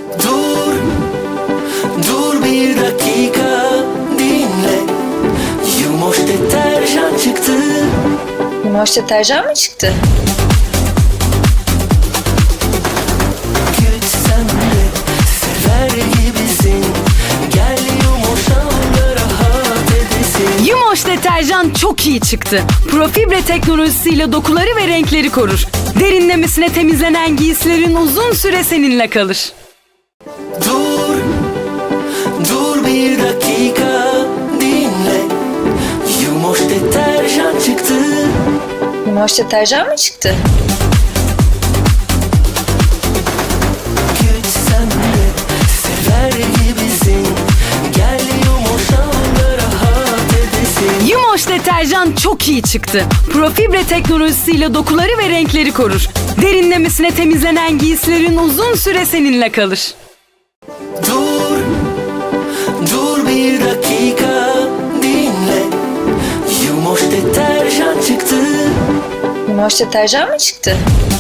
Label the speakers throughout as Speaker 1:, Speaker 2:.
Speaker 1: Dur, dur bir dakika dinle. Yumoş deterjan çıktı.
Speaker 2: Yumoş deterjan mı çıktı?
Speaker 1: Güç sende, sever gibisin. Gel yumuşamda rahat edesin.
Speaker 3: Yumoş deterjan çok iyi çıktı. Profibre teknolojisiyle dokuları ve renkleri korur. Derinlemesine temizlenen giysilerin uzun süre seninle kalır.
Speaker 1: Dur, dur bir dakika dinle. Yumoş deterjan çıktı.
Speaker 2: Yumoş deterjan mı çıktı?
Speaker 1: Güç sende, sever gibisin. Gel yumuşamda rahat edesin.
Speaker 3: Yumoş deterjan çok iyi çıktı. Profibre teknolojisiyle dokuları ve renkleri korur. Derinlemesine temizlenen giysilerin uzun süre seninle kalır.
Speaker 1: Dur, dur bir dakika dinle. Yumoş deterjan çıktı.
Speaker 2: Yumoş deterjan mı çıktı?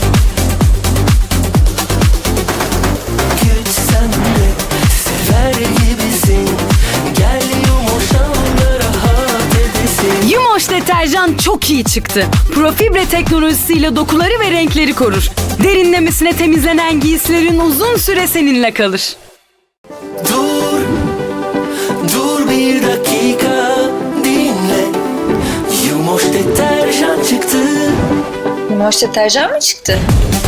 Speaker 1: Güç sende, sever gibisin. Gel yumuşamda rahat edesin.
Speaker 3: Yumoş deterjan çok iyi çıktı. Profibre teknolojisiyle dokuları ve renkleri korur. Derinlemesine temizlenen giysilerin uzun süre seninle kalır.
Speaker 1: Dur, dur bir dakika dinle. Yumoş deterjan çıktı.
Speaker 2: Yumoş deterjan mı çıktı?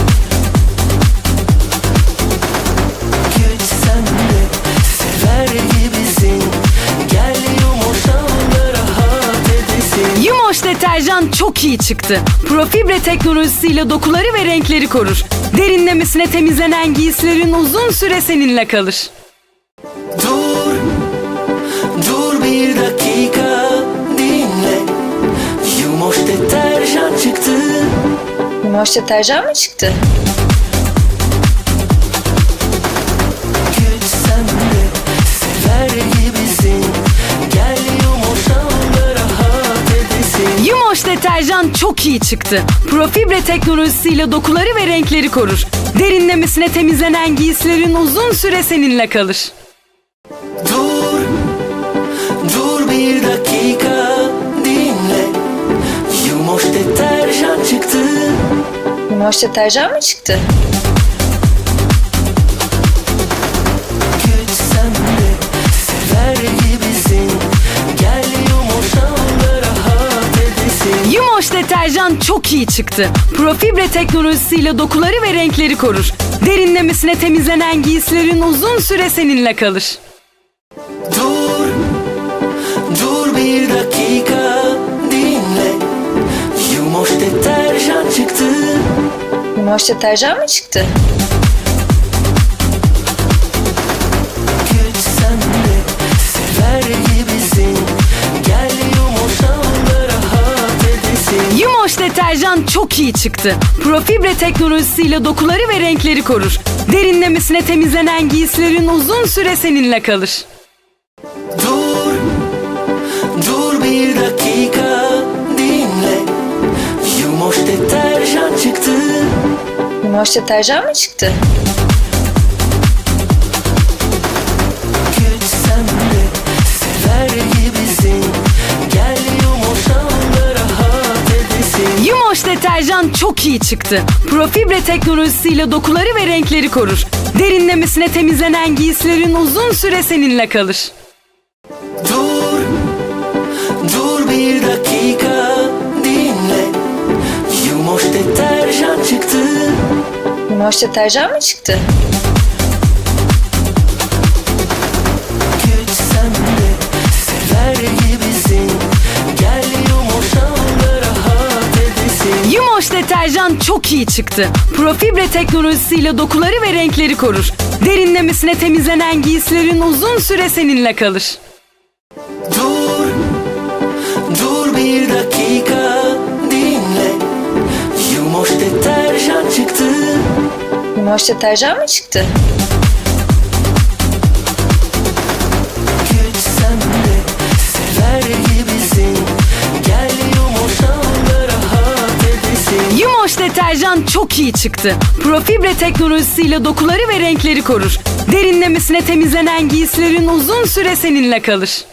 Speaker 1: Güç sende, sever gibisin. Gel yumuşamda rahat edesin.
Speaker 3: Yumoş deterjan çok iyi çıktı. Profibre teknolojisiyle dokuları ve renkleri korur. Derinlemesine temizlenen giysilerin uzun süre seninle kalır.
Speaker 1: Dur, dur bir dakika dinle. Yumoş deterjan çıktı.
Speaker 2: Yumoş deterjan mı çıktı?
Speaker 1: Güç sende, sever gibisin. Gel yumuşamda rahat edesin.
Speaker 3: Yumoş deterjan çok iyi çıktı. Profibre teknolojisiyle dokuları ve renkleri korur. Derinlemesine temizlenen giysilerin uzun süre seninle kalır.
Speaker 1: Dur, dur bir dakika dinle. Yumoş deterjan çıktı.
Speaker 2: Yumoş deterjan mı çıktı?
Speaker 1: Güç sende, sever gibisin. Gel yumuşamda rahat edesin.
Speaker 3: Yumoş deterjan çok iyi çıktı. Profibre teknolojisiyle dokuları ve renkleri korur. Derinlemesine temizlenen giysilerin uzun süre seninle kalır.
Speaker 1: Dur, dur bir dakika dinle. Yumoş deterjan çıktı.
Speaker 2: Yumoş deterjan mı çıktı?
Speaker 1: Güç sende, sever gibisin. Gel yumuşamda rahat edesin.
Speaker 3: Yumoş deterjan çok iyi çıktı. Profibre teknolojisiyle dokuları ve renkleri korur. Derinlemesine temizlenen giysilerin uzun süre seninle kalır.
Speaker 1: Dur, dur bir dakika dinle. Yumoş deterjan çıktı.
Speaker 2: Yumoş deterjan mı çıktı?
Speaker 1: Güç sende, sever gibisin. Gel yumuşamda rahat edesin.
Speaker 3: Yumoş deterjan çok iyi çıktı. Profibre teknolojisiyle dokuları ve renkleri korur. Derinlemesine temizlenen giysilerin uzun süre seninle kalır.
Speaker 1: Dur, dur bir dakika dinle. Yumoş deterjan çıktı.
Speaker 2: Yumoş deterjan mı çıktı?
Speaker 1: Güç sende, sever gibisin. Gel yumuşamda rahat edesin.
Speaker 3: Yumoş deterjan çok iyi çıktı. Profibre teknolojisiyle dokuları ve renkleri korur. Derinlemesine temizlenen giysilerin uzun süre seninle kalır.
Speaker 1: Dur, dur bir dakika dinle. Yumoş deterjan çıktı.
Speaker 2: Yumoş deterjan mı çıktı?
Speaker 1: Güç sende, sever gibisin. Gel yumuşamda rahat edesin.
Speaker 3: Yumoş Yumoş deterjan çok iyi çıktı. Profibre teknolojisiyle dokuları ve renkleri korur. Derinlemesine temizlenen giysilerin uzun süre seninle kalır.